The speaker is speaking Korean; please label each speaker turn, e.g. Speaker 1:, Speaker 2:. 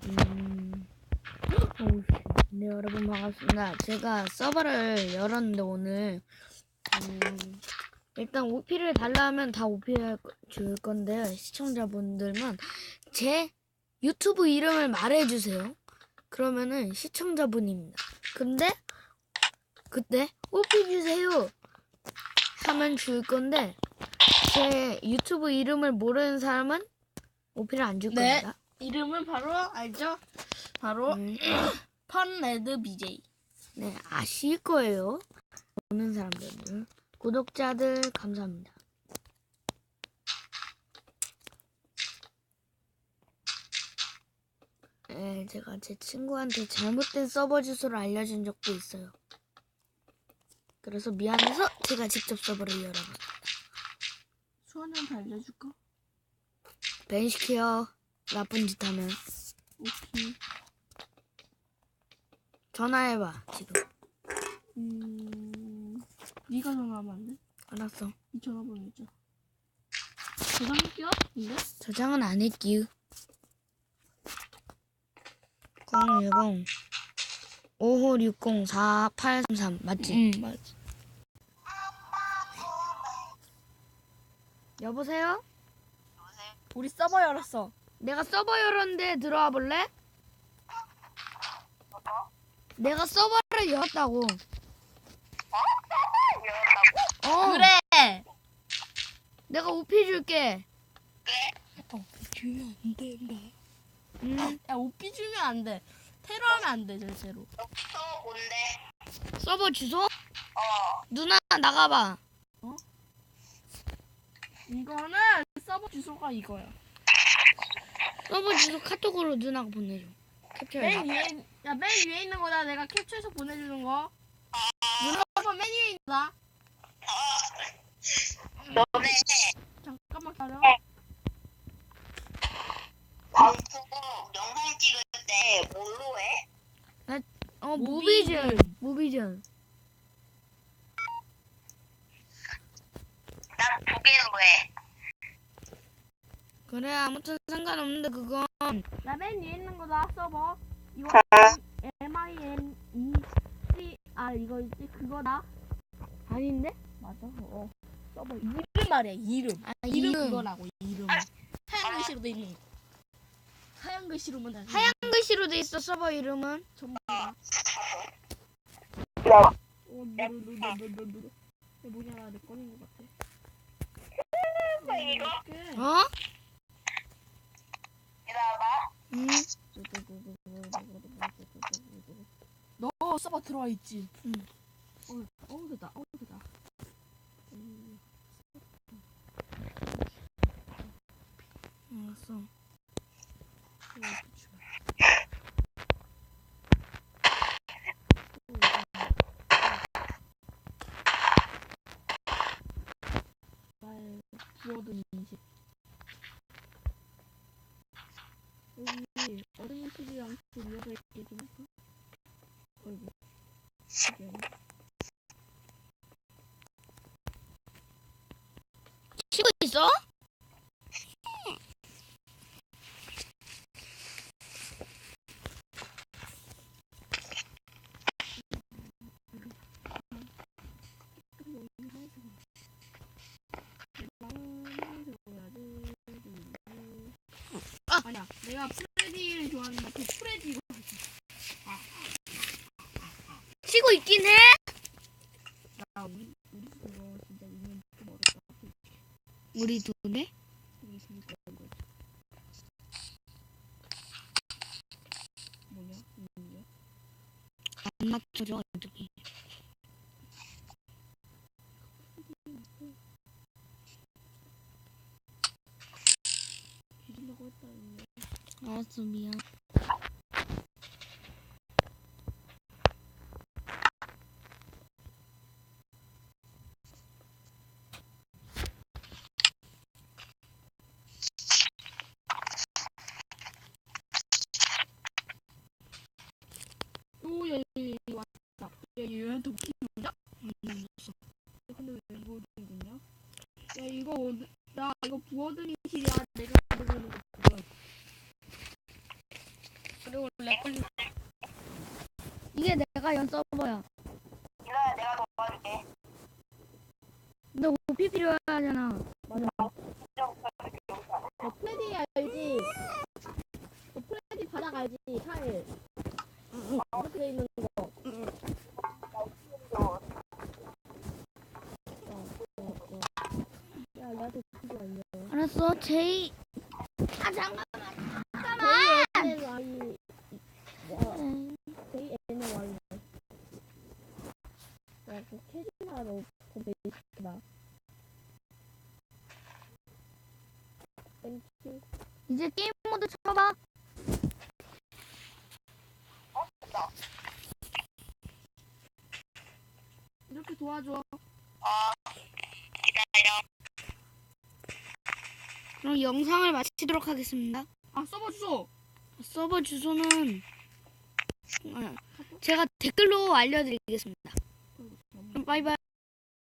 Speaker 1: 네, 여러분 반갑습니다. 제가 서버를 열었는데 오늘 일단 OP를 달라 하면 다 OP 줄 건데 시청자분들만 제 유튜브 이름을 말해주세요. 그러면은 시청자분입니다. 근데 그때 OP 주세요 하면 줄 건데 제 유튜브 이름을 모르는 사람은 OP를 안 줄
Speaker 2: 네.
Speaker 1: 겁니다.
Speaker 2: 이름은 바로 알죠? 바로 펀레드 BJ.
Speaker 1: 네, 아실 거예요. 보는 사람들, 구독자들 감사합니다. 네, 제가 제 친구한테 잘못된 서버 주소를 알려준 적도 있어요. 그래서 미안해서 제가 직접 서버를 열어봤습니다.
Speaker 2: 수원이한테 알려줄까?
Speaker 1: 벤 시켜. 나쁜 짓 하면
Speaker 2: 오케이.
Speaker 1: 전화해봐 지금.
Speaker 2: 네가 전화하면 안 돼?
Speaker 1: 알았어.
Speaker 2: 이 전화번호 있죠? 저장할게요? 근데?
Speaker 1: 저장은 안 했기요. 010 5560 4833 맞지?
Speaker 2: 맞지.
Speaker 1: 여보세요?
Speaker 2: 우리 서버 열었어.
Speaker 1: 내가 서버 열었는데 들어와 볼래? 내가 서버를 열었다고. 어.
Speaker 2: 그래!
Speaker 1: 내가 OP 줄게.
Speaker 2: 주면 안 된다.
Speaker 1: 응.
Speaker 2: 야, 오피 주면 안 돼. 테러하면 안 돼, 절대로.
Speaker 3: 뭔데?
Speaker 1: 서버 주소? 누나 나가봐.
Speaker 2: 이거는 서버 주소가 이거야.
Speaker 1: 서버 주소 카톡으로 누나가 보내줘. 캡처해.
Speaker 2: 맨 위에 있는 거다. 내가 캡처해서 보내주는 거. 서버 맨 위에 있는 거다.
Speaker 3: 너네
Speaker 2: 잠깐만 기다려.
Speaker 3: 방송 영상 찍을 때 뭘로 해?
Speaker 1: 무비전. 무비전.
Speaker 3: 난 두 개로 해.
Speaker 1: 그래 아무튼 상관없는데 그건
Speaker 2: 나 맨 위에 있는 거다. 서버. 이거 MINECR 이거 있지? 그거다.
Speaker 1: 아닌데?
Speaker 2: 맞아. 서버 이름 말이야. 이름. 이름 그거라고. 이름. 하얀 글씨로 돼 있는 거. 하얀 글씨로만 다.
Speaker 1: 하얀 글씨로 돼 있어 서버 이름은.
Speaker 2: 전부 다.
Speaker 3: 야,
Speaker 2: 누르. 뭐냐 나내 꺼낸 것 같아.
Speaker 3: 이거?
Speaker 1: 어?
Speaker 3: 기다려봐.
Speaker 1: 응.
Speaker 2: 너 서버 들어와 있지?
Speaker 1: 응.
Speaker 2: 됐다. 됐다.
Speaker 1: 알았어.
Speaker 2: 키워드 인식. 여기 어린이집이랑 좀 이어져 있게 좀 할까? 어이구.
Speaker 1: 치고 있어?
Speaker 2: 아니야, 내가 프레디를 좋아하는데 그 프레디
Speaker 1: 치고 있긴 해.
Speaker 2: 나 우리 그거 진짜 이면 좀 어렵다.
Speaker 1: 우리 둘이?
Speaker 2: 우리 재밌고 이거 뭐냐? 이게
Speaker 1: 안 맞춰져 어차피.
Speaker 2: 뒤진다고 했다.
Speaker 1: 알았어 미안.
Speaker 2: 오, 야, 왔다. 야, 얘한테 웃기는 거냐? 웃었어. 근데 왜 부어드는 거냐? 야, 이거 부어드는 실이야. 내가 부어드는 거 그거야.
Speaker 1: 내가 연 서버야.
Speaker 3: 이거야 내가 도와줄게.
Speaker 1: 근데 오피 필요하잖아.
Speaker 2: 맞아. 플레디 알지? 플레디 바닥 알지? 타일. 이렇게 돼 있는 거. 야, 나한테 그거 아니야.
Speaker 1: 알았어, 제이. 아 잠깐만.
Speaker 2: 제이 N은 Y. 제이 N은 Y. 야, 그 캐리나로 그 베이스다. 땡큐.
Speaker 1: 이제 게임 모드 쳐봐.
Speaker 2: 이렇게 도와줘.
Speaker 3: 기다려.
Speaker 1: 그럼 영상을 마치도록 하겠습니다.
Speaker 2: 아, 서버 주소.
Speaker 1: 서버 주소는 제가 댓글로 알려드리겠습니다. 그럼 바이바이.